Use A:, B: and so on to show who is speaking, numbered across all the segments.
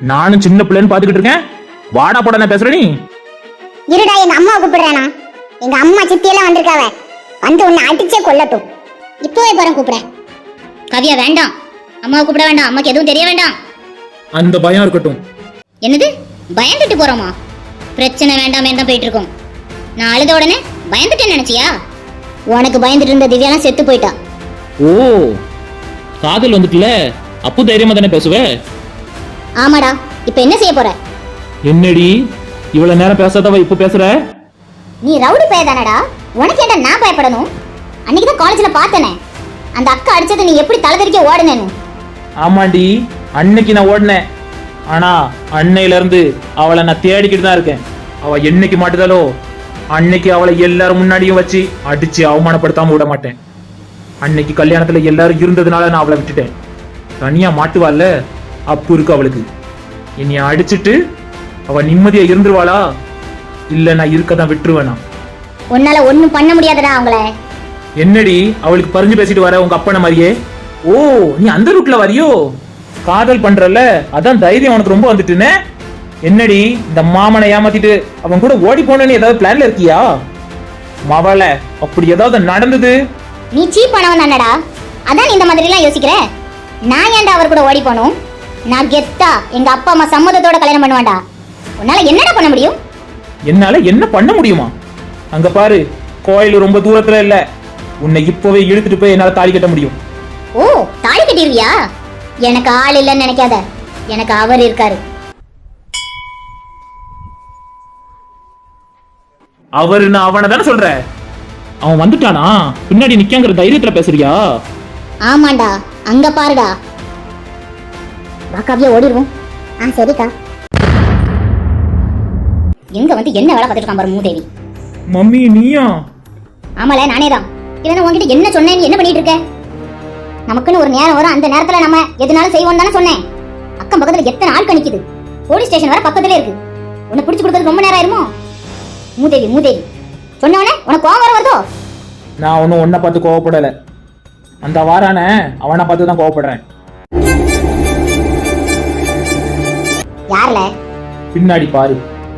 A: நானும் சின்ன பிள்ளைன்னு பாத்துக்கிட்டு இருக்கேன். வாடா போடா நான் பேசுற நீ.
B: இருடா, எங்க அம்மாவை கூப்பிடுறேனா? எங்க அம்மா சித்தியெல்லாம் வந்திருக்காவ. வந்து உன்னை அடிச்சே கொல்லட்டும். இப்போவே போறேன் கூப்பிடுறேன்.
C: கவியா வேண்டாம், அம்மாவை கூப்பிட வேண்டாம், அம்மாக்கு எதுவும் தெரிய வேண்டாம்.
A: அந்த பயம் இருக்கட்டும்.
C: என்னது பயந்துட்டு போறோமா? பிரச்சனை வேண்டாமே தான் போயிட்டு இருக்கோம். நான் அழுத உடனே பயந்துட்டேன்னு நினைச்சியா? உனக்கு பயந்துட்டு இருந்த திவ்யாலாம் செத்து போயிட்டா.
A: ஓ, காதல் வந்துட்டுல, அப்போ தைரியமா தானே பேசுவ?
C: ஆமாடா, இப்ப என்ன செய்ய போற?
A: என்னடி இவ்வளவு நேரம் பேசாதவ இப்ப பேசுற?
C: நீ ரவுடி பையதானடா, உனக்கு ஏன்டா நான் பயப்படணும்? அன்னைக்கு தான் காலேஜ்ல பார்த்தனே, அந்த அக்கா அடிச்சது நீ எப்படி தலதறிக்க ஓடுனேன்னு.
A: ஆமாண்டி, அன்னைக்கு நான் ஓடினேன். ஆனா அன்னையில இருந்து அவளை நான் தேடிக்கிட்டு தான் இருக்கேன். அவ என்னைக்கு மாட்டுதாலோ அன்னைக்கு அவளை எல்லாரும் முன்னாடியும் வச்சு அடிச்சு அவமானப்படுத்தாம விட மாட்டேன். அன்னைக்கு கல்யாணத்துல எல்லாரும் இருந்ததுனால நான் அவளை விட்டுட்டேன். தனியா மாட்டுவாள்ல, அப்பு இருக்கு அவளுக்கு. என்னைய அடிச்சுட்டு அவ நிம்மதியா இருந்துருவாளா? இல்ல நான் இருக்கதான் விட்டுருவேனா?
C: உன்னால ஒண்ணும் பண்ண முடியாதடா அவங்கள.
A: என்னடி அவளுக்கு பறிஞ்சு பேசிட்டு வர உங்க அப்பன மாதிரியே? ஓ, நீ அந்த ரூட்ல வரியோ? காதல் பண்றல, அதான் தைரியம் உனக்கு ரொம்ப வந்துட்டுன்னு. என்னடி இந்த மாமனை ஏமாத்திட்டு அவன் கூட ஓடி போனேன்னு ஏதாவது பிளான்ல இருக்கியா? மவள அப்படி ஏதாவது நடந்தது?
C: நீ சீப் பண்ணவன் தானடா, அதான் நீ இந்த மாதிரி எல்லாம் யோசிக்கிற. நான் ஏன்டா அவர் கூட ஓடி போகணும்? நான் கெத்தா எங்க அப்பா அம்மா சம்மதத்தோட கல்யாணம் பண்ணுவான்டா. உன்னால என்னடா பண்ண முடியும்?
A: என்னால என்ன பண்ண முடியுமா? அங்க பாரு, கோயில் ரொம்ப தூரத்துல இல்ல. உன்னை இப்பவே இழுத்துட்டு போய் என்னால தாலி கட்ட முடியும்.
C: ஓ, தாலி கட்டிருவியா? எனக்கு ஆள் இல்லைன்னு நினைக்காத, எனக்கு அவர் இருக்காரு.
A: அவரு நான் அவனை தானே சொல்ற. அவன் வந்துட்டானா? பின்னாடி நிக்காங்கிற தைரியத்துல பேசுறியா?
C: ஆமாண்டா, அங்க பாருடா. வாக்காவியா ஓடிடுவோம்.
B: சரிக்கா.
C: எங்க வந்து என்ன வேலை பார்த்துட்டு இருக்கான் பாரு மூதேவி.
A: மம்மி நீயா?
C: ஆமால, நானே தான். இல்லைன்னா உங்ககிட்ட என்ன சொன்னேன், நீ என்ன பண்ணிட்டு இருக்க? நமக்குன்னு ஒரு நேரம் வரும், அந்த நேரத்துல நம்ம எதுனாலும் செய்வோம் தானே சொன்னேன். அக்கம் பக்கத்துல எத்தனை ஆள் கணிக்குது, போலீஸ் ஸ்டேஷன் வர பக்கத்துல இருக்கு. உன்னை பிடிச்சு கொடுக்கறது ரொம்ப நேரம் ஆயிருமோ? மூதேவி மூதேவி சொன்னவனே உனக்கு கோவம் வர வருதோ?
A: நான் ஒன்னும் ஒன்ன பார்த்து கோவப்படல. அந்த வாரான அவனை பார்த்து தான் கோவப்படுறேன்.
C: யார்ல?
A: பின்னாடி பாரு.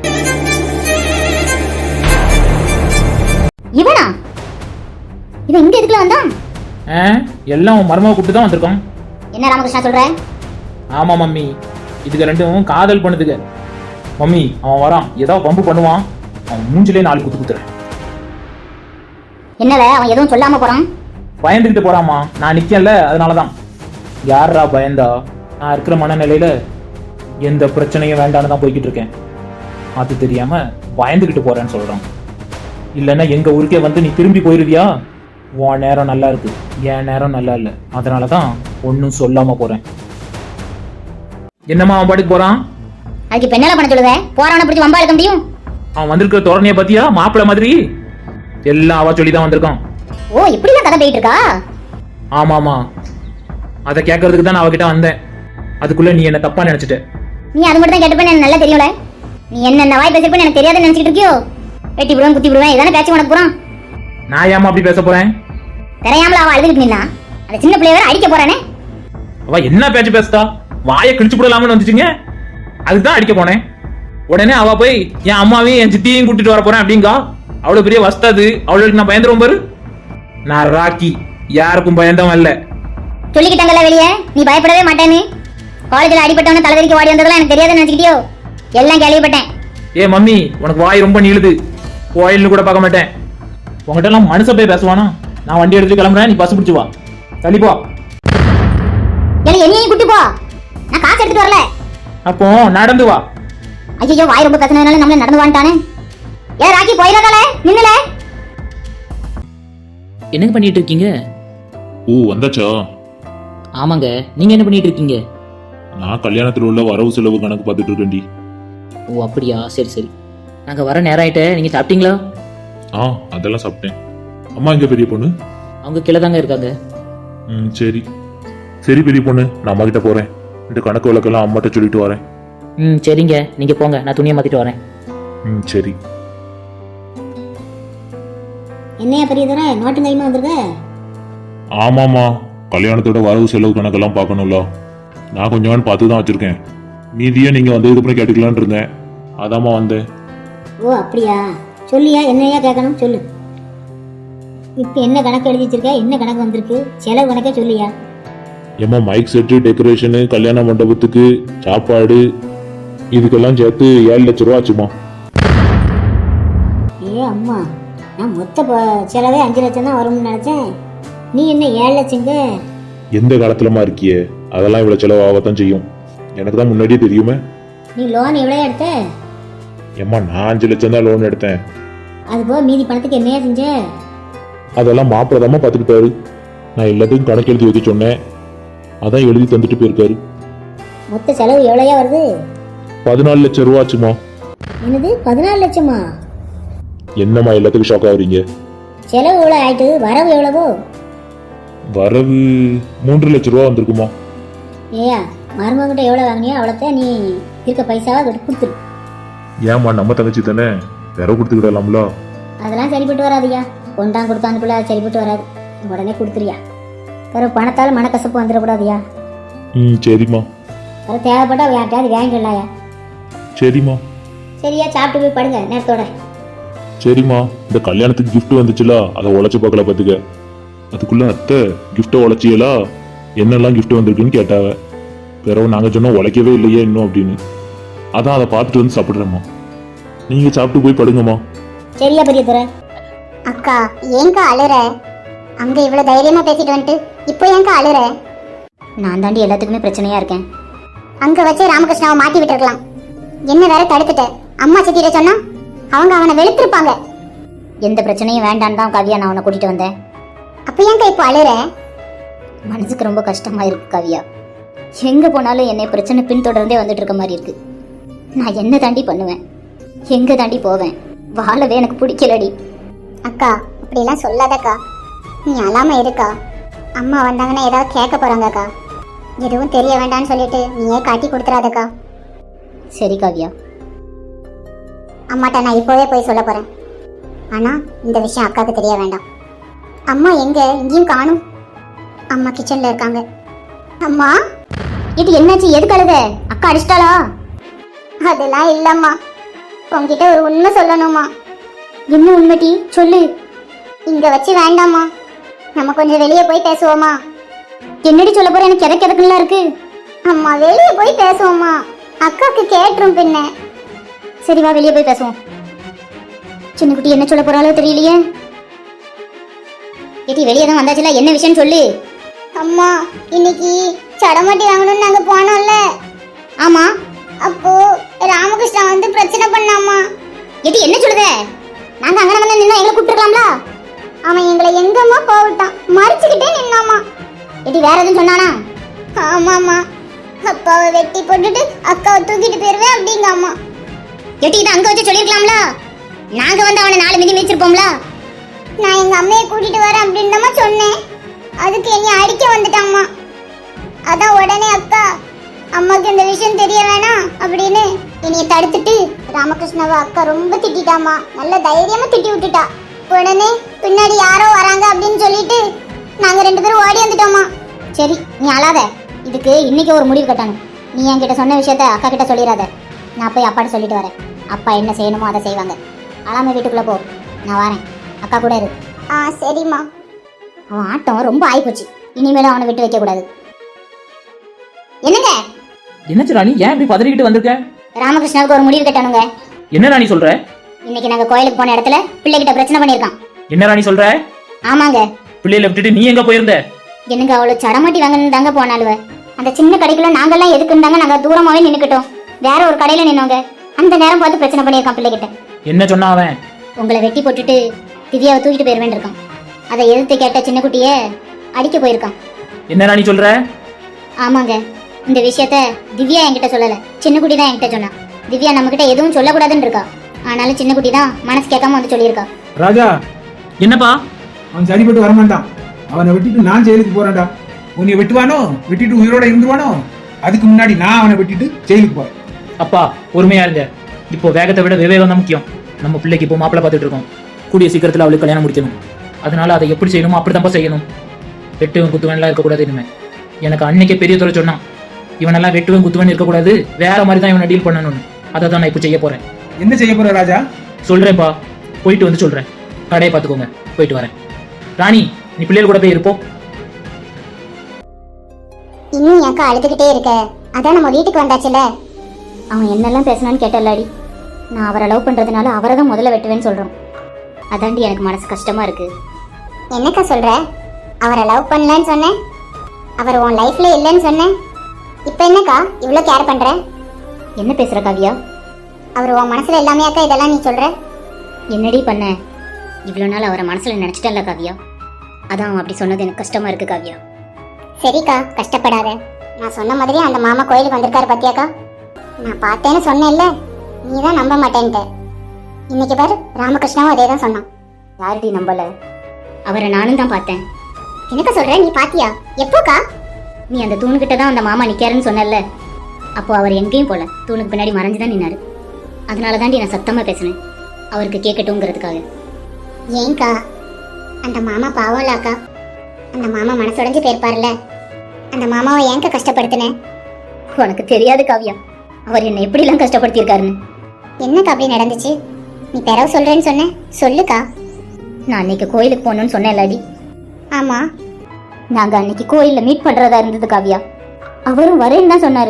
C: இவனா? இவன் இங்க எதுக்குல வந்தான்?
A: எல்லாம் உன் மருமக கூப்பிட்டு தான் வந்திருக்கோம்.
C: என்ன ராமகிருஷ்ணா சொல்ற?
A: ஆமா மம்மி, இதுக்கு ரெண்டும் காதல் பண்ணுதுங்க. மம்மி அவன் வரான், ஏதாவது பம்பு பண்ணுவான். அவன் மூஞ்சிலே 4 குத்து குத்துறேன்.
C: என்னல அவன் எதுவும் சொல்லாம போறான்?
A: பயந்துகிட்டு போறாமா, நான் நிக்கல அதனாலதான். யாரா பயந்தா? நான் இருக்கிற மனநிலையில எந்த பிரச்சனையும் வேண்டான்னு தான் போய்கிட்டு இருக்கேன். அது தெரியாம பயந்துகிட்டு போறேன்னு சொல்றான். இல்லைன்னா எங்க ஊருக்கே வந்து நீ திரும்பி போயிருவியா? உன் நேரம் நல்லா இருக்கு, என் நேரம் நல்லா இல்ல. அதனாலதான் ஒன்னும் சொல்லாம போறேன். என்னம்மா அவன் பாட்டுக்கு போறான்?
C: அதுக்கு இப்ப என்ன பண்ண சொல்லுத? போறவனை பிடிச்சி வம்பா இருக்க முடியும்?
A: அவன் வந்திருக்கிற தோரணைய பாத்தியா? மாப்பிள்ள மாதிரி எல்லாம் அவ சொல்லிதான் வந்திருக்கான்.
C: ஓ, இப்படிதான் கதை போயிட்டு இருக்கா?
A: ஆமாமா, அதை கேட்கறதுக்கு தான் நான் அவகிட்ட வந்தேன். அதுக்குள்ள நீ என்ன தப்பா நினைச்சிட்ட.
C: நீ அது மட்டும் தான் கேட்டுப்பேன்னு எனக்கு நல்லா தெரியும்ல. நீ என்ன வாய் பேசிருப்பேன்னு எனக்கு தெரியாதுன்னு நினைச்சிட்டு இருக்கியோ? வெட்டி விடுவேன், குத்தி விடுவேன், இதானே பேச்சு உனக்கு போறான்.
A: நான் ஏமா அப்படி பேச போறேன்?
C: தெரியாமல அவன் அழுதுகிட்டு நின்னா, அந்த சின்ன பிள்ளைய வேற அடிக்க போறானே.
A: அவ என்ன பேச்சு பேசுதா? வாயை கிழிச்சு போடலாம்னு வந்துச்சுங்க, அதுதான் அடிக்க போனேன். உடனே அவ போய் என் அம்மாவையும் என் சித்தியையும் கூட்டிட்டு வர போறேன் அப்படிங்கா. அவ்வளவு பெரிய வஸ்தாது, அவளுக்கு நான் பயந்துருவோம் பாரு. நான் ராக்கி, யாருக்கும் பயந்தவன் இல்ல.
C: சொல்லிக்கிட்டாங்கல்ல வெளியே, நீ பயப்படவே மாட்டேன்னு. காலேஜ்ல அடிபட்டவன தலைவரிக்கு வாடி வந்ததெல்லாம் எனக்கு தெரியாதுன்னு நினைச்சிட்டியோ? எல்லாம் கேள்விப்பட்டேன்.
A: ஏ மம்மி, உனக்கு வாய் ரொம்ப நீளுது. கோயில்னு கூட பார்க்க மாட்டேன். உங்ககிட்ட எல்லாம் மனுஷ போய் பேசுவானா? நான் வண்டி எடுத்து கிளம்புறேன், நீ பஸ் பிடிச்சு வா. தள்ளி போ.
C: என்னையும் கூட்டி போ, நான் காசு எடுத்துட்டு வரல.
A: அப்போ நடந்து வா.
C: ஐயோ, வாய் ரொம்ப பிரச்சனை, நம்மள நடந்து வாண்டானே. ஏ ராக்கி, போயிடாதல, நின்னுல.
D: என்ன பண்ணிட்டு இருக்கீங்க?
E: ஓ, வந்தாச்சா?
D: ஆமாங்க, நீங்க என்ன பண்ணிட்டு இருக்கீங்க?
E: நான் கல்யாணத்தில் உள்ள வரவு செலவு கணக்கு பார்த்துட்டு இருக்கேன்டி.
D: ஓ அப்படியா, சரி சரி. நாங்க வர நேரம் ஆயிட்ட, நீங்க சாப்பிட்டீங்களா?
E: அதெல்லாம் சாப்பிட்டேன். அம்மா எங்க பெரிய பொண்ணு?
D: அவங்க கீழே தாங்க இருக்காங்க.
E: சரி சரி பெரிய பொண்ணு, நான் அம்மா கிட்ட போறேன். இந்த கணக்கு வழக்கெல்லாம் அம்மாட்ட சொல்லிட்டு வரேன்.
D: சரிங்க, நீங்க போங்க, நான் துணியை மாத்திட்டு வரேன்.
E: சரி.
C: என்னையா பெரியதர நோட்டு கைமா வந்திருக்க?
E: ஆமாமா, கல்யாணத்தோட வரவு செலவு கணக்கெல்லாம் பார்க்கணும்ல. நான் கொஞ்சம் பார்த்து தான் வச்சிருக்கேன். மீதியே நீங்க வந்ததுக்கு அப்புறம் கேட்டுக்கலான்னு இருந்தேன், அதாம்மா வந்தேன்.
C: ஓ அப்படியா? சொல்லியா, என்னையா கேட்கணும் சொல்லு. இப்போ என்ன கணக்கு எழுதி வச்சிருக்க? என்ன கணக்கு வந்திருக்கு? செலவு கணக்கே சொல்லியா.
E: ஏம்மா மைக் செட்டு, டெக்கரேஷனு, கல்யாண மண்டபத்துக்கு சாப்பாடு இதுக்கெல்லாம் சேர்த்து 7 லட்ச ரூபா ஆச்சுமா.
C: ஏ அம்மா, நான் மொத்த செலவே 5 லட்சம் தான் வரும்னு நினைச்சேன். நீ என்ன 7 லட்சங்க?
E: எந்த காலத்துலமா இருக்கியே, அதெல்லாம் இவ்வளவு செலவாகத்தான் செய்யும். எனக்கு தான் முன்னாடியே தெரியுமே.
C: நீ லோன் எவ்வளோ எடுத்த?
E: ஏம்மா நான் 5 லட்சம் தான் லோன் எடுத்தேன்.
C: அது போக மீதி பணத்துக்கு என்னையா செஞ்ச?
E: அதெல்லாம் மாப்பிள்ளதாம்மா பார்த்துக்கிட்டாரு. நான் எல்லாத்துக்கும் கணக்கு எழுதி வைக்க சொன்னேன், அதான் எழுதி தந்துட்டு போயிருக்காரு.
C: மொத்த செலவு எவ்வளோயா வருது?
E: 14 லட்சம் ரூபா ஆச்சுமா.
C: என்னது 14 லட்சமா?
E: என்னம்மா எல்லாத்துக்கும் ஷாக் ஆகுறீங்க?
C: செலவு எவ்வளோ ஆயிட்டு, வரவு எவ்வளவோ?
E: வரவு 3 லட்ச ரூபா வந்திருக்குமா.
C: ஏயா, மருமகிட்ட எவ்வளோ வாங்கினியோ அவ்வளோத்தான் நீ இருக்க பைசாவை கொடுத்துரு.
E: ஏம்மா நம்ம தங்கச்சி தானே, வேற கொடுத்துக்கிடலாம்ல.
C: அதெல்லாம் சரிப்பட்டு வராதுயா. கொண்டாங்க கொடுத்தாந்து பிள்ளை சரிப்பட்டு வராது. உடனே கொடுத்துறியா? வேற பணத்தால் மனக்கசப்பு வந்துடக்கூடாதுயா.
E: சரிம்மா.
C: வேற தேவைப்பட்டா யார்கிட்டயாவது வாங்கிடலாயா.
E: சரிம்மா.
C: சரியா, சாப்பிட்டு போய் படுங்க நேரத்தோட.
E: சரிம்மா. இந்த கல்யாணத்துக்கு கிஃப்ட் வந்துச்சுல, அதை உழைச்சு பார்க்கல பார்த்துக்க. அதுக்குள்ள அத்தை கிஃப்டை உழைச்சியலா, என்னெல்லாம் கிஃப்ட் வந்திருக்குன்னு கேட்டாவ. பிறகு நாங்கள் சொன்னோம் உழைக்கவே இல்லையே இன்னும் அப்படின்னு. அதான் அதை பார்த்துட்டு வந்து சாப்பிட்றேம்மா. நீங்கள் சாப்பிட்டு போய் படுங்கம்மா.
C: சரியா பெரிய துறை?
B: அக்கா ஏங்கா அழுற? அங்க இவ்வளவு தைரியமா பேசிட்டு வந்துட்டு இப்போ ஏங்கா அழுற?
C: நான் தாண்டி எல்லாத்துக்குமே பிரச்சனையா இருக்கேன்.
B: அங்க வச்சு ராமகிருஷ்ணாவை மாட்டி விட்டுருக்கலாம். என்ன வேற தடுத்துட்ட? அம்மா சித்திட்ட சொன்னா அவங்க அவனை வெளுத்திருப்பாங்க.
C: எந்த பிரச்சனையும் வேண்டான்னு தான் கவியா நான் உன்னை கூட்டிட்டு வந்தேன்.
B: அப்ப ஏங்கா இப்போ அழுற?
C: மனசுக்கு ரொம்ப கஷ்டமா இருக்கு கவியா. எங்க போனாலும் என்னை பிரச்சனை பின்தொடர்ந்தே வந்துட்டு இருக்க மாதிரி இருக்கு. நான் என்ன தாண்டி பண்ணுவேன்? எங்க தாண்டி போவேன்? வாழவே எனக்கு பிடிக்கலடி.
B: அக்கா அப்படிலாம் சொல்லாதக்கா, நீ அழாம இருக்கா. அம்மா வந்தாங்கன்னா ஏதாவது கேட்க போறாங்கக்கா. எதுவும் தெரிய வேண்டாம்னு சொல்லிட்டு நீயே காட்டி கொடுத்துறாதக்கா.
C: சரி கவியா.
B: அம்மாட்ட நான் இப்போவே போய் சொல்ல போறேன். ஆனா இந்த விஷயம் அக்காவுக்கு தெரிய வேண்டாம். அம்மா எங்க? இங்கேயும் காணும். அம்மா கிச்சன்ல இருக்காங்க. அம்மா
C: இது என்னாச்சு? எதுக்கு அழுத? அக்கா அடிச்சிட்டாளா?
B: அதெல்லாம் இல்லம்மா, உங்ககிட்ட ஒரு உண்மை சொல்லணுமா.
C: என்ன உண்மைட்டி சொல்லு.
B: இங்க வச்சு வேண்டாமா, நம்ம கொஞ்சம் வெளியே போய் பேசுவோமா?
C: என்னடி சொல்ல போற? எனக்கு எதற்கு எதற்குலாம் இருக்கு.
B: அம்மா வெளியே போய் பேசுவோமா, அக்காவுக்கு கேட்டுரும் பின்ன.
C: சரி வா, வெளியே போய் பேசுவோம். சின்ன குட்டி என்ன சொல்ல போறாளோ தெரியலையே. ஏடி வெளியே தான் வந்தாச்சுல, என்ன விஷயம் சொல்லு.
B: அம்மா இன்னைக்கு சடமாட்டி வாங்கணும்னு நாங்க போனோம்ல.
C: ஆமா.
B: அப்போ ராமகிருஷ்ணா வந்து பிரச்சனை பண்ணாமா.
C: ஏடி என்ன சொல்லுத? நாங்க அங்க வந்து நின்னா எங்களை கூப்பிட்டுருக்கலாம்ல.
B: அவன் எங்களை எங்கம்மா போவிட்டான், மறைச்சுக்கிட்டே நின்னாமா.
C: ஏடி வேற எதுவும் சொன்னானா?
B: ஆமாம்மா, அப்பாவை வெட்டி போட்டுட்டு அக்காவை தூக்கிட்டு போயிருவேன் அப்படிங்காமா.
C: ஏடி இதை அங்க வச்சு சொல்லிருக்கலாம்ல. நாங்க வந்து அவனை 4 மிதி மிதிச்சிருப்போம்ல.
B: நான் எங்க அம்மையை கூட்டிட்டு வரேன் அப்படின்னு சொன்னேன். அதுக்கு என்னை அடிக்க வந்துட்டாம்மா. அதான் உடனே அக்கா அம்மாக்கு இந்த விஷயம் தெரிய வேணாம் அப்படின்னு என்னைய தடுத்துட்டு ராமகிருஷ்ணாவை அக்கா ரொம்ப திட்டாமா. நல்ல தைரியமா திட்டி விட்டுட்டா. உடனே பின்னாடி யாரோ வராங்க அப்படின்னு சொல்லிட்டு நாங்க 2 பேரும் ஓடி வந்துட்டோமா.
C: சரி நீ அழாத. இதுக்கு இன்னைக்கு ஒரு முடிவு கட்டணும். நீ என்கிட்ட சொன்ன விஷயத்த அக்கா கிட்ட சொல்லிடாத. நான் போய் அப்பாட்ட சொல்லிட்டு வரேன். அப்பா என்ன செய்யணுமோ அதை செய்வாங்க. அழாம வீட்டுக்குள்ள போ, நான் வரேன். அக்கா கூட இரு.
B: சரிம்மா.
C: அவன் ஆட்டம் ரொம்ப ஆயிப்போச்சு. இனிமேலும் அவனை விட்டு வைக்க கூடாது. என்னங்க
A: என்னச்சு ராணி, ஏன் இப்படி பதறிக்கிட்டு வந்திருக்க?
C: ராமகிருஷ்ணாவுக்கு ஒரு முடிவு கட்டணுங்க.
A: என்ன ராணி சொல்ற?
C: இன்னைக்கு நாங்க கோயிலுக்கு போன இடத்துல பிள்ளைகிட்ட பிரச்சனை பண்ணிருக்கான்.
A: என்ன ராணி சொல்ற?
C: ஆமாங்க.
A: பிள்ளையில விட்டுட்டு நீ எங்க போயிருந்த?
C: என்னங்க அவ்வளவு சடமாட்டி வாங்கன்னு தாங்க போனாலுவ. அந்த சின்ன கடைக்குள்ள நாங்கெல்லாம் எதுக்குண்டாங்க நாங்க தூரமாவே நின்னுக்கிட்டோம். வேற ஒரு கடையில நின்னோங்க. அந்த நேரம் பார்த்து பிரச்சனை பண்ணிருக்கான் பிள்ளைகிட்ட.
A: என்ன சொன்னா அவன்?
C: உங்களை வெட்டி போட்டுட்டு திவ்யாவை தூக்கிட்டு போயிருவேன் இருக்கான். அதை எதிர்த்து கேட்ட சின்ன குட்டிய அடிக்க போயிருக்கான்.
A: என்ன ராணி சொல்ற?
C: ஆமாங்க. இந்த விஷயத்த திவ்யா என்கிட்ட சொல்லல, சின்ன குட்டி தான் என்கிட்ட சொன்னா. திவ்யா நம்ம கிட்ட எதுவும் சொல்லக்கூடாதுன்னு இருக்கா. ஆனாலும் சின்ன குட்டி தான் மனசு கேட்காம வந்து சொல்லியிருக்கா.
F: ராஜா,
A: என்னப்பா?
F: அவன் சரிப்பட்டு வரமாட்டான். அவனை வெட்டிட்டு நான் ஜெயிலுக்கு போறேன்டா. உன்னை வெட்டுவானோ, வெட்டிட்டு உயிரோட இருந்துருவானோ, அதுக்கு முன்னாடி நான் அவனை வெட்டிட்டு ஜெயிலுக்கு போறேன்.
A: அப்பா பொறுமையா இருங்க. இப்போ வேகத்தை விட விவேகம் தான் முக்கியம். நம்ம பிள்ளைக்கு இப்போ மாப்பிள்ளை பார்த்துட்டு இருக்கோம். கூடிய சீக்கிரத்தில் அவளுக்கு கல்யாணம் முடிக்கணும். அதனால அதை எப்படி செய்யணுமோ அப்படித்தான்ப்பா செய்யணும். வெட்டுவன் குத்துவன்லாம் இருக்கக்கூடாது. இனிமே எனக்கு அன்னைக்கே பெரிய துறை சொன்னான், இவனெல்லாம் வெட்டுவன் குத்துவன் இருக்கக்கூடாது, வேற மாதிரி தான் இவனை டீல் பண்ணணும்னு. அதை தான் நான் இப்போ செய்ய போறேன்.
F: என்ன செய்ய போற ராஜா?
A: சொல்றேன்ப்பா, போயிட்டு வந்து சொல்றேன். கடையை பார்த்துக்கோங்க, போயிட்டு வரேன். ராணி, நீ பிள்ளைகள் கூட போய் இருப்போம்.
B: இன்னும் ஏக்கா அழுதுகிட்டே இருக்க? அதான் நம்ம வீட்டுக்கு வந்தாச்சுல.
C: அவன் என்னெல்லாம் பேசினான்னு கேட்டல்லாடி. நான் அவரை லவ் பண்றதுனால அவரை தான் முதல்ல வெட்டுவேன்னு சொல்றான். அதாண்டி எனக்கு மனசு கஷ்டமா இருக்கு.
B: என்னக்கா சொல்ற? அவரை லவ் பண்ணலன்னு சொன்னேன், அவர் உன் லைஃப்ல இல்லைன்னு சொன்னேன். இப்போ என்னக்கா இவ்வளோ கேர் பண்ற?
C: என்ன பேசுற காவியா?
B: அவர் உன் மனசுல எல்லாமே அக்கா இதெல்லாம் நீ சொல்ற?
C: என்னடி பண்ண? இவ்வளோ நாள் அவரை மனசுல நினைச்சிட்டேன்ல காவியா, அதான் அவன் அப்படி சொன்னது எனக்கு கஷ்டமா இருக்கு காவியா.
B: சரிக்கா, கஷ்டப்படாத. நான் சொன்ன மாதிரி அந்த மாமா கோயிலுக்கு வந்திருக்காரு பாத்தியாக்கா? நான் பார்த்தேன்னு சொன்னேன்ல, நீ தான் நம்ப மாட்டேன்ட்ட. இன்னைக்கு பாரு, ராமகிருஷ்ணாவும் அதே தான் சொன்னான்.
C: யார்டி நம்பல? அவரை நானும் தான் பார்த்தேன்.
B: என்னக்கா சொல்ற? நீ பாத்தியா? எப்போக்கா?
C: நீ அந்த தூணுகிட்ட தான் அந்த மாமா நிக்காருன்னு சொன்னல, அப்போ அவர் எங்கேயும் போல, தூணுக்கு பின்னாடி மறைஞ்சு தான் நின்னாரு. அதனால தாண்டி நான் சத்தமா பேசினேன், அவருக்கு கேட்கட்டுங்கிறதுக்காக.
B: ஏன்க்கா? அந்த மாமா பாவம்லாக்கா. அந்த மாமா மனசுடைஞ்சு போயிருப்பார்ல. அந்த மாமாவை ஏன்க்கா கஷ்டப்படுத்தினேன்?
C: உனக்கு தெரியாது காவியா, அவர் என்னை எப்படிலாம் கஷ்டப்படுத்தியிருக்காருன்னு.
B: என்னக்கா அப்படி நடந்துச்சு? நீ பிறவு சொல்றேன்னு சொன்ன, சொல்லுக்கா.
C: நான் அன்னைக்கு கோயிலுக்கு போகணும்னு சொன்னேன்லாடி.
B: ஆமா,
C: நாங்க அன்னைக்கு கோயில்ல மீட் பண்றதா இருந்தது காவியா. அவரும் வரேன்னு தான் சொன்னாரு.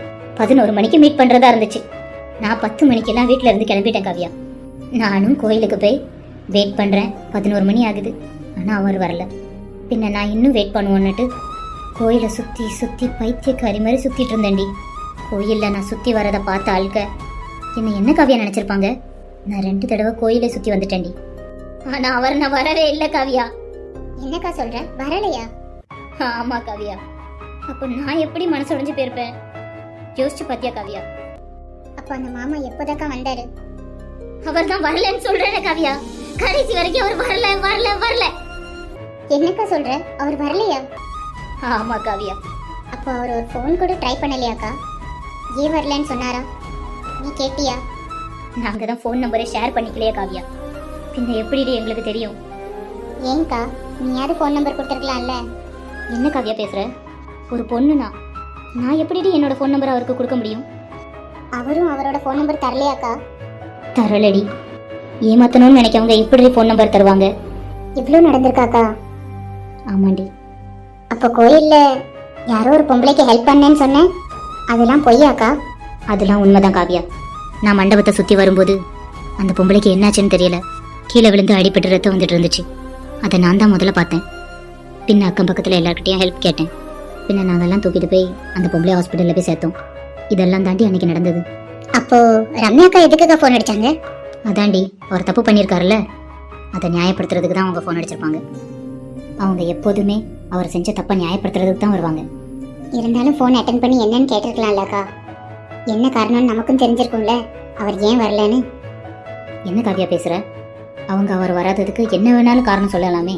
C: 11 மணிக்கு மீட் பண்றதா இருந்துச்சு. நான் 10 மணிக்கெல்லாம் வீட்டுல இருந்து கிளம்பிட்டேன் காவியா. நானும் கோயிலுக்கு போய் வெயிட் பண்றேன். 11 மணி ஆகுது, ஆனா அவர் வரல. பின்ன நான் இன்னும் வெயிட் பண்ணுவோன்னுட்டு கோயிலை சுத்தி சுத்தி பைத்தியக்காரி மாதிரி சுத்திட்டு இருந்தேன்டி. கோயில்ல நான் சுத்தி வரதை பார்த்த ஆளுக்க என்ன என்ன காவியா நினைச்சிருப்பாங்க? நான் 2 தடவை கோயிலை சுத்தி வந்துட்டேன்டி. ஆனா அவர் நான் வரவே இல்லை காவியா.
B: என்னக்கா சொல்ற? வரலையா?
C: ஆமா காவியா. அப்போ நான் எப்படி மனசு உடைஞ்சு போயிருப்பேன்? யோசிச்சு பாத்தியா காவியா?
B: அப்ப அந்த மாமா எப்போதாக்கா வந்தாரு?
C: அவர் தான் வரலன்னு சொல்றேன் காவியா. கடைசி வரைக்கும் அவர் வரல வரல வரல.
B: என்னக்கா சொல்ற? அவர் வரலையா?
C: ஆமா காவியா.
B: அப்போ அவர் ஒரு ஃபோன் கூட ட்ரை பண்ணலையாக்கா? ஏன் வரலன்னு சொன்னாரா? நீ கேட்டியா?
C: நாங்க தான் ஃபோன் நம்பரை ஷேர் பண்ணிக்கலையா காவியா. பின்ன எப்படி எங்களுக்கு தெரியும்?
B: ஏன்க்கா, நீயாவது ஃபோன் நம்பர் கொடுத்துருக்கலாம்ல.
C: என்ன காவியா பேசுற? ஒரு பொண்ணுனா நான் எப்படி என்னோட ஃபோன் நம்பர் அவருக்கு கொடுக்க முடியும்?
B: அவரும் அவரோட ஃபோன் நம்பர் தரலையாக்கா?
C: தரலடி. ஏமாத்தணும்னு நினைக்கவங்க இப்படி ஃபோன் நம்பர் தருவாங்க?
B: இவ்வளோ நடந்திருக்காக்கா?
C: ஆமாண்டி.
B: அப்போ கோயில்ல யாரோ ஒரு பொம்பளைக்கு ஹெல்ப் பண்ணேன்னு சொன்னேன், அதெல்லாம் பொய்யாக்கா?
C: அதெல்லாம் உண்மைதான் காவியா. நான் மண்டபத்தை சுத்தி வரும்போது அந்த பொம்பளைக்கு என்னாச்சுன்னு தெரியல, கீழே விழுந்து அடிபட்டு ரத்தம் வந்துட்டு இருந்துச்சு. அதை நான் தான் முதல்ல பார்த்தேன். பின்ன அக்கம் பக்கத்தில் எல்லாருக்கிட்டையும் ஹெல்ப் கேட்டேன். பின்ன நாங்கெல்லாம் தூக்கிட்டு போய் அந்த பொம்பளை ஹாஸ்பிட்டலில் போய் சேர்த்தோம். இதெல்லாம் தாண்டி அன்னைக்கு நடந்தது.
B: அப்போ ரம்யாக்கா எதுக்குக்கா ஃபோன் அடிச்சாங்க?
C: அதாண்டி, அவர் தப்பு பண்ணியிருக்காருல்ல, அதை நியாயப்படுத்துறதுக்கு தான் அவங்க ஃபோன் அடிச்சிருப்பாங்க. அவங்க எப்போதுமே அவர் செஞ்ச தப்பை நியாயப்படுத்துறதுக்கு தான் வருவாங்க.
B: இருந்தாலும் ஃபோன் அட்டன் பண்ணி என்னன்னு கேட்டிருக்கலாம்லக்கா. என்ன காரணம்னு நமக்கும் தெரிஞ்சிருக்கும்ல, அவர் ஏன் வரலன்னு.
C: என்ன காவியா பேசுற? அவங்க அவர் வராததுக்கு என்ன வேணாலும் காரணம் சொல்லலாமே.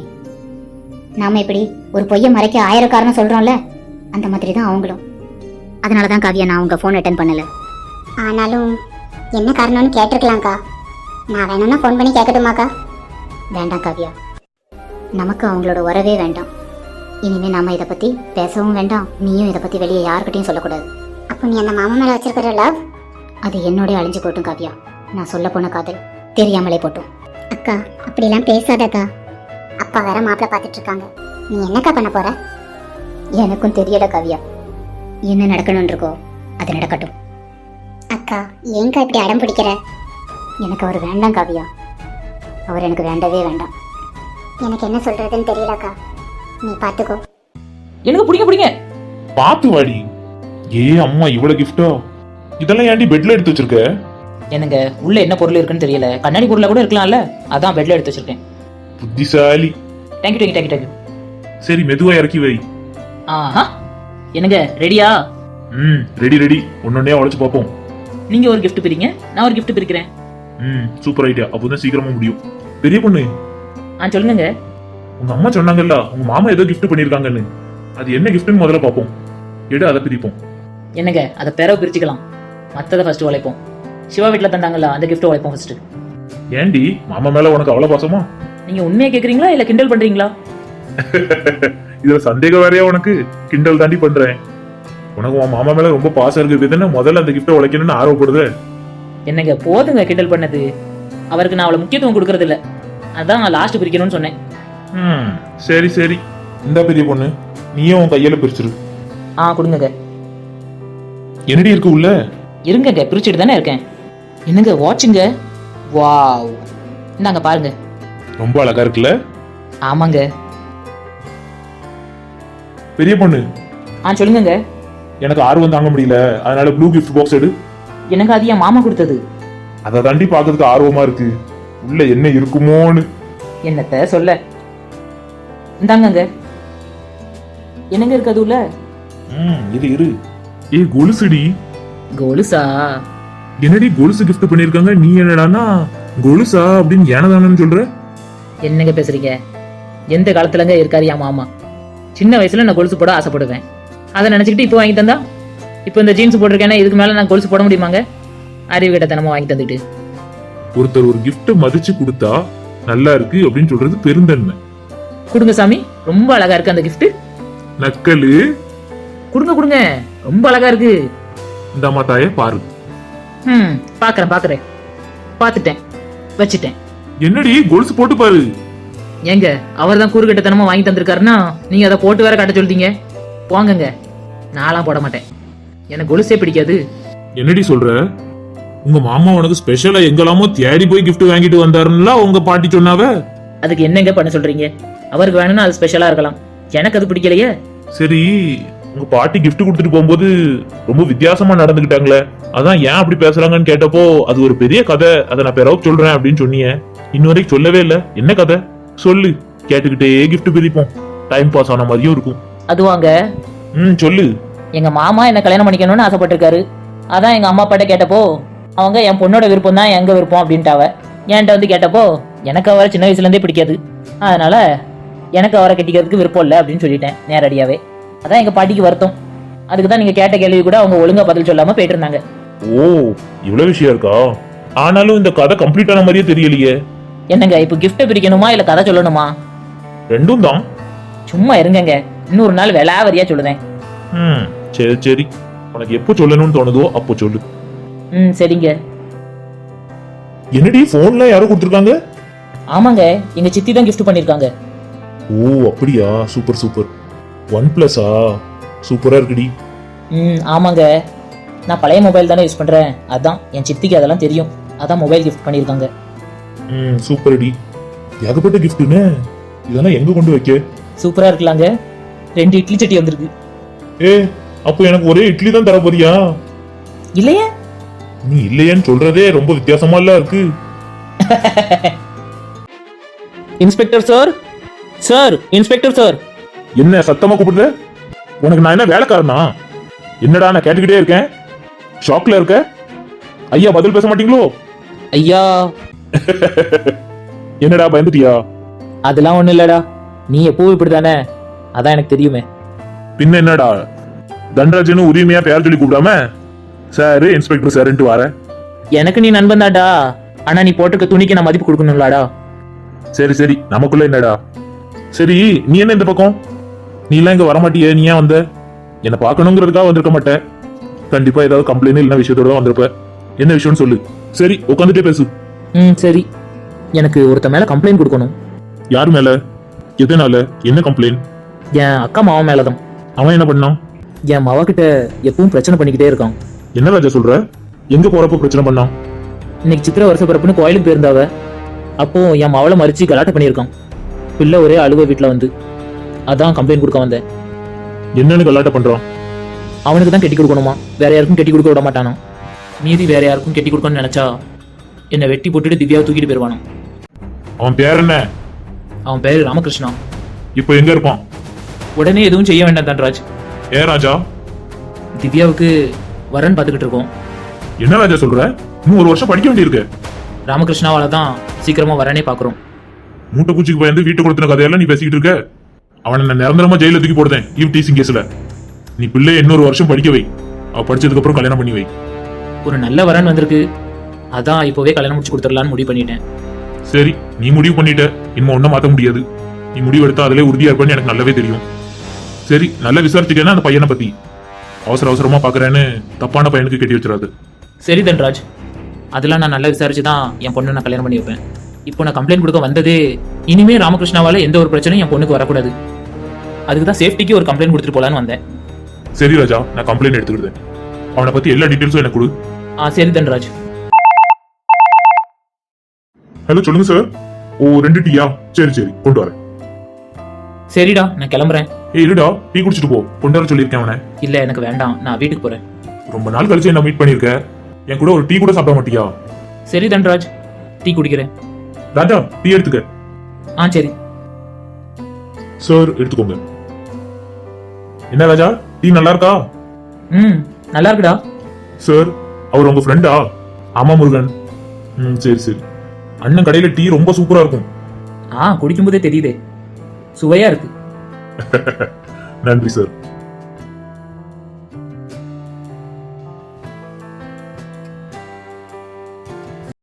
C: நாம இப்படி ஒரு பொய்யை மறைக்க 1000 காரணம் சொல்றோம்ல, அந்த மாதிரி தான் அவங்களும். அதனால தான் காவியா நான் அவங்க ஃபோன் அட்டன் பண்ணல.
B: ஆனாலும் என்ன காரணம்னு கேட்டிருக்கலாம்க்கா. நான் வேணும்னா ஃபோன் பண்ணி கேட்கட்டுமாக்கா?
C: வேண்டாம் காவியா, நமக்கு அவங்களோட உறவே வேண்டாம். இனிமே நாம இதை பத்தி பேசவும் வேண்டாம், நீயும் இதை பத்தி வெளியே யாருக்கிட்டையும் சொல்லக்கூடாது.
B: அப்போ நீ அந்த மாமா மேல வச்சிருக்கிற லவ்
C: அது என்னோட அழிஞ்சு போட்டும் காவியா. நான் சொல்ல போன காதல் தெரியாமலே போட்டும்.
B: அக்கா, அப்படிலாம் பேசாதக்கா. அப்பா வேற மாப்பிள்ள பார்த்துட்டு இருக்காங்க. நீ என்னக்கா பண்ண போற?
C: எனக்கும் தெரியல காவியா. என்ன நடக்கணும்னு இருக்கோ அது நடக்கட்டும்.
B: அக்கா, ஏங்கா இப்படி அடம் பிடிக்கிற?
C: எனக்கு அவர் வேண்டாம் காவியா. அவர் எனக்கு வேண்டவே வேண்டாம்.
B: எனக்கு என்ன சொல்றதுன்னு தெரியலக்கா. நீ பாத்துக்கோ.
A: எனக்கு பிடிங்க பிடிங்க.
E: பாத்து வாடி. ஏ அம்மா, இவ்வளவு கிஃப்டா? இதெல்லாம் ஏன்டி பெட்ல எடுத்து வச்சிருக்க?
A: என்னங்க, உள்ள என்ன பொருள் இருக்குன்னு தெரியல. கண்ணாடி பொருளா கூட இருக்கலாம்ல, அதான் பெட்ல எடுத்து வச்சிருக்கேன்.
E: புத்திசாலி.
A: Thank you thank you thank you thank you.
E: சரி, மெதுவா இறக்கி வை.
A: ஆஹா, என்னங்க ரெடியா?
E: Ready ready. ஒன்னொன்னே உழைச்சு பார்ப்போம்.
A: நீங்க ஒரு gift பிரிங்க, நான் ஒரு gift பிரிக்கிறேன்.
E: Super idea. அப்போதான் சீக்கிரமா முடியும். பெரிய பொண்ணு,
A: சொல்லுங்க.
E: உங்க அம்மா சொன்னாங்கல்ல உங்க மாமா ஏதோ gift பண்ணிருக்காங்கன்னு. அது என்ன giftன்னு முதல்ல பார்ப்போம். எடு, அதை பிரிப்போம்.
A: என்னங்க, அதை பிறகு பிரிச்சுக்கலாம். மத்ததை ஃபர்ஸ்ட் உழைப்போம். சிவா வீட்டுல தந்தாங்கல்ல, அந்த gift உழைப்போம் ஃபர்ஸ்ட்.
E: ஏண்டி, மாமா மேல உனக்கு அவ்வளவு பாசமா?
A: நீங்க உண்மையா கேக்குறீங்களா இல்ல கிண்டல் பண்றீங்களா?
E: இதுல சந்தேகம் வேறையா உனக்கு? கிண்டல் தாண்டி பண்றேன். உனக்கு உன் மாமா மேல ரொம்ப பாசம் இருக்கு தானே முதல்ல அந்த கிஃப்ட்டை உழைக்கணும்னு ஆர்வப்படுது.
D: என்னங்க போதுங்க கிண்டல் பண்ணது. அவருக்கு நான் அவ்வளவு முக்கியத்துவம் கொடுக்கறது இல்ல. அதான் லாஸ்ட் பிரிக்கணும்னு சொன்னேன்.
E: சரி சரி, இந்த பெரிய பொண்ணு நீயும் உன் கையில பிரிச்சிரு.
D: கொடுங்கங்க.
E: என்னடி இருக்கு உள்ள?
D: இருங்கங்க, பிரிச்சுட்டு தானே இருக்கேன். என்னங்க வாட்சுங்க? வாவ், இந்தாங்க பாருங்க.
E: ரொம்ப அழகா இருக்குல்ல?
D: ஆமாங்க.
E: பெரிய பொண்ணு
D: சொல்லுங்கங்க.
E: எனக்கு ஆர்வம் தாங்க முடியல, அதனால ப்ளூ கிஃப்ட் பாக்ஸ் எடு.
D: எனக்கு அது என் மாமா கொடுத்தது.
E: அதை தாண்டி பாக்குறதுக்கு ஆர்வமா இருக்கு, உள்ள என்ன இருக்குமோன்னு.
D: என்னத்த சொல்ல. இந்தாங்கங்க. என்னங்க இருக்கு அது உள்ள?
E: இது இரு. கொலுசுடி.
D: கொலுசா?
E: என்னடி கொலுசு கிஃப்ட் பண்ணிருக்காங்க, நீ என்னடானா கொலுசா அப்படின்னு ஏனதானு சொல்ற?
D: என்னங்க பேசுறீங்க? எந்த காலத்துலங்க இருக்காரு என் மாமா? சின்ன வயசுல நான் கொலுசு போட ஆசைப்படுவேன். அதை நினைச்சுக்கிட்டு இப்போ வாங்கி தந்தா, இப்போ இந்த ஜீன்ஸ் போட்டிருக்கேன்னா இதுக்கு மேல நான் கொலுசு போட முடியுமாங்க? அறிவு கிட்டத்தனமா வாங்கி தந்துட்டு.
E: ஒருத்தர் ஒரு கிஃப்ட் மதிச்சு கொடுத்தா நல்லா இருக்கு அப்படின்னு சொல்றது பெருந்தன்மை.
D: கொடுங்க சாமி, ரொம்ப அழகா இருக்கு அந்த கிஃப்ட்.
E: நக்கலு.
D: கொடுங்க கொடுங்க, ரொம்ப அழகா இருக்கு.
E: இந்த மாத்தாய பாரு.
D: பாக்குறேன் பாத்துட்டேன், வச்சுட்டேன்.
E: என்னடி கொலுசு போட்டு பாரு.
D: ஏங்க அவர் தான் கூறுகட்டத்தனமா வாங்கி தந்திருக்காருன்னா நீங்க அதை போட்டு வேற காட்ட சொல்றீங்க. போங்கங்க, நான்லாம் போட மாட்டேன். எனக்கு கொலுசே பிடிக்காது.
E: என்னடி சொல்ற? உங்க மாமா உனக்கு ஸ்பெஷலா எங்கெல்லாமோ தேடி போய் கிஃப்ட் வாங்கிட்டு வந்தாருன்னா உங்க பாட்டி சொன்னாவ.
D: அதுக்கு என்னங்க பண்ண சொல்றீங்க? அவருக்கு வேணும்னா அது ஸ்பெஷலா இருக்கலாம், எனக்கு அது பிடிக்கலையே.
E: சரி, உங்க பாட்டி கிஃப்ட் கொடுத்துட்டு போகும்போது ரொம்ப வித்தியாசமா நடந்துகிட்டாங்களே, அதான் ஏன் அப்படி பேசுறாங்கன்னு கேட்டப்போ அது ஒரு பெரிய கதை, அதை நான் பிறகு சொல்றேன் அப்படின்னு சொன்னீங்க. இன்ன வரைக்கும் சொல்லவே இல்ல. என்ன கதை சொல்லு, கேட்டுக்கிட்டே கிஃப்ட் பிரிப்போம், டைம் பாஸ் ஆன மாதிரியும் இருக்கும்.
D: அதுவாங்க,
E: சொல்லு.
D: எங்க மாமா என்ன கல்யாணம் பண்ணிக்கணும்னு ஆசைப்பட்டிருக்காரு. அதான் எங்க அம்மா அப்பாட்ட கேட்டப்போ அவங்க என் பொண்ணோட விருப்பம் தான் எங்க விருப்பம் அப்படின்ட்டாவ. என்கிட்ட வந்து கேட்டப்போ எனக்கு அவரை சின்ன வயசுல இருந்தே பிடிக்காது, அதனால எனக்கு அவரை கட்டிக்கிறதுக்கு விருப்பம் இல்லை அப்படின்னு சொல்லிட்டேன் நேரடியாவே. அதான் எங்க பாட்டிக்கு வருத்தம். அதுக்கு தான் நீங்க கேட்ட கேள்வி கூட அவங்க ஒழுங்கா பதில் சொல்லாம போயிட்டு இருந்தாங்க.
E: ஓ, இவ்வளவு விஷயம் இருக்கா? ஆனாலும் இந்த கதை கம்ப்ளீட் ஆன மாதிரியே தெரியலையே.
D: என்னங்க இப்ப கிஃப்ட் பிரிக்கணுமா இல்ல கதை சொல்லணுமா?
E: ரெண்டும் தான்.
D: சும்மா இருங்கங்க, இன்னொரு நாள் விளாவரியா சொல்லுதேன்.
E: சரி சரி, உனக்கு எப்போ சொல்லணும்னு தோணுதோ அப்போ சொல்லு.
D: சரிங்க.
E: என்னடி போன்ல யாரோ கொடுத்துருக்காங்க?
D: ஆமாங்க, எங்க சித்தி தான் கிஃப்ட் பண்ணிருக்காங்க.
E: ஓ அப்படியா, சூப்பர் சூப்பர். OnePlus சூப்பரா இருக்குடி.
D: ஆமாங்க, நான் பழைய மொபைல் தானே யூஸ் பண்றேன், அதான் என் சித்திக்கு அதெல்லாம் தெரியும், அதான் மொபைல் கிஃப்ட் பண்ணிருக்காங்க.
E: சூப்பர் டி, ஏகப்பட்ட கிஃப்ட்னு. இதெல்லாம் எங்க கொண்டு வைக்க?
D: சூப்பரா இருக்கலாங்க. 2 இட்லி சட்டி வந்திருக்கு.
E: அப்போ எனக்கு ஒரே இட்லி தான் தர போறியா?
D: இல்லையே.
E: நீ இல்லையேன்னு சொல்றதே ரொம்ப வித்தியாசமா இல்ல இருக்கு.
A: Inspector sir, sir inspector sir.
E: என்ன சத்தமா கூப்பிடுற? உனக்கு நான் என்ன வேலைக்காரனா? என்னடா நான் கேட்டுக்கிட்டே இருக்கேன், ஷாக்ல இருக்க. ஐயா பதில் பேச மாட்டீங்களோ?
A: ஐயா.
E: என்னடா பயந்துட்டியா?
A: அதெல்லாம் ஒண்ணு இல்லடா, நீ எப்பவும் இப்படிதானே, அதான் எனக்கு தெரியுமே.
E: பின்ன என்னடா தண்டராஜன்னு உரிமையா பேர் சொல்லி கூப்பிடாம சார் இன்ஸ்பெக்டர் சார்ன்ட்டு வர?
A: எனக்கு நீ நண்பன் தான்டா, ஆனா நீ போட்டிருக்க துணிக்கு நான் மதிப்பு கொடுக்கணும்லாடா.
E: சரி சரி, நமக்குள்ள என்னடா? சரி, நீ என்ன இந்த பக்கம்? நீ எல்லாம் இங்க வரமாட்டியே, நீ ஏன் வந்த? என்ன பார்க்கணுங்கிறதுக்காக வந்திருக்க மாட்டேன். கண்டிப்பா ஏதாவது கம்ப்ளைண்ட் இல்லைன்னா விஷயத்தோட தான் வந்திருப்ப. என்ன விஷயம்னு சொல்லு. சரி, உட்காந்துட்டே பேசு.
A: சரி, எனக்கு ஒருத்த மேல கம்ப்ளைண்ட் கொடுக்கணும்.
E: யார் மேல? எதனால? என்ன கம்ப்ளைண்ட்?
A: என் அக்கா மாவன் மேலதான்.
E: அவன் என்ன பண்ணான்?
A: என் மாவ கிட்ட எப்பவும் பிரச்சனை பண்ணிக்கிட்டே இருக்கான்.
E: என்ன ராஜா சொல்ற? எங்க போறப்ப பிரச்சனை பண்ணான்?
A: இன்னைக்கு சித்திரை வருஷ பிறப்புன்னு கோயிலுக்கு போயிருந்தாவ. அப்போ என் மாவளை மறிச்சு கலாட்டம் பண்ணியிருக்கான். பிள்ளை ஒரே அழுவ வீட்டுல வந்து, அதான் கம்ப்ளைண்ட் கொடுக்க வந்தேன்.
E: என்னன்னு கலாட்டம் பண்றான்?
A: அவனுக்கு தான் கட்டி கொடுக்கணுமா, வேற யாருக்கும் கட்டி கொடுக்க விட மாட்டானா. மீதி வேற யாருக்கும் கட்டி கொடுக்கணும்னு நினைச்சா என்னை வெட்டி போட்டுட்டு திவ்யாவை தூக்கிட்டு போயிருவானோ.
E: அவன் பேர் என்ன?
A: அவன் பேரு ராமகிருஷ்ணா.
E: இப்போ எங்க இருப்பான்?
A: உடனே எதுவும் செய்ய வேண்டாம் தன்ராஜ்.
E: ஏன் ராஜா?
A: திவ்யாவுக்கு வரன் பார்த்துக்கிட்டு இருக்கோம்.
E: என்ன ராஜா சொல்ற? இன்னும் 1 வருஷம் படிக்க வேண்டியிருக்கு.
A: ராமகிருஷ்ணாவால தான் சீக்கிரமா வரனே பாக்குறோம்.
E: மூட்டை பூச்சிக்கு பயந்து வீட்டு கொடுத்தின கதையெல்லாம் நீ பேசிக்கிட்டு இருக்க. அவனை நான் நிரந்தரமா ஜெயில தூக்கி போடுறேன் ஈவ் டீசிங் கேஸ்ல. நீ பிள்ளைய இன்னொரு வருஷம் படிக்க வை, அவ படிச்சதுக்கு அப்புறம் கல்யாணம் பண்ணி வை.
A: ஒரு நல்ல வரன் வந்திருக்கு, அதான் இப்போவே கல்யாணம் முடிச்சு கொடுத்துடலான்னு முடிவு பண்ணிட்டேன்.
E: சரி, நீ முடிவு பண்ணிட்ட, இன்னும் ஒன்னும் மாத்த முடியாது. நீ முடிவு எடுத்தா அதிலே உறுதியா இருப்பேன்னு எனக்கு நல்லாவே தெரியும். சரி, நல்லா விசாரிச்சுட்டேன்னா அந்த பையனை பத்தி. அவசர அவசரமா பாக்குறேன்னு தப்பான பையனுக்கு கட்டி வச்சிடாது.
A: சரி தன்ராஜ், அதெல்லாம் நான் நல்லா விசாரிச்சு தான் என் பொண்ணை நான் கல்யாணம் பண்ணி வைப்பேன். இப்போ நான் கம்ப்ளைண்ட் கொடுக்க வந்ததே இனிமே ராமகிருஷ்ணாவால எந்த ஒரு பிரச்சனையும் என் பொண்ணுக்கு வரக்கூடாது. அதுக்கு தான் சேஃப்டிக்கு ஒரு கம்ப்ளைண்ட் கொடுத்துட்டு போலான்னு வந்தேன்.
E: சரி ராஜா, நான் கம்ப்ளைண்ட் எடுத்துக்கிட்டேன். அவனை பத்தி எல்லா டீட்டெயில்ஸும் எனக்கு கொடு.
A: சரி தன்ராஜ்.
E: ஹலோ, சொல்லுங்க சார். ஓ, 2 டீயா? சரி சரி, கொண்டு வரேன்.
A: சரிடா, நான் கிளம்புறேன்.
E: இருடா, டீ குடிச்சிட்டு போ. கொண்டு வர சொல்லியிருக்கேன் அவனை.
A: இல்ல எனக்கு வேண்டாம், நான் வீட்டுக்கு போறேன்.
E: ரொம்ப நாள் கழிச்சு என்ன மீட் பண்ணிருக்க. என் கூட ஒரு டீ கூட சாப்பிட மாட்டியா?
A: சரி தன்ராஜ், டீ குடிக்கிறேன்.
E: ராஜா, டீ எடுத்துக்க.
A: சரி.
E: சார், எடுத்துக்கோங்க. என்ன ராஜா, டீ நல்லா இருக்கா?
A: நல்லா இருக்குடா.
E: சார், அவர் உங்க ஃப்ரெண்டா? ஆமா முருகன். சரி சரி. அண்ணன் கடையில டீ ரொம்ப சூப்பரா இருக்கும்.
A: குடிக்கும்போதே தெரியுதே, சுவையா இருக்கு.
E: நன்றி சார்.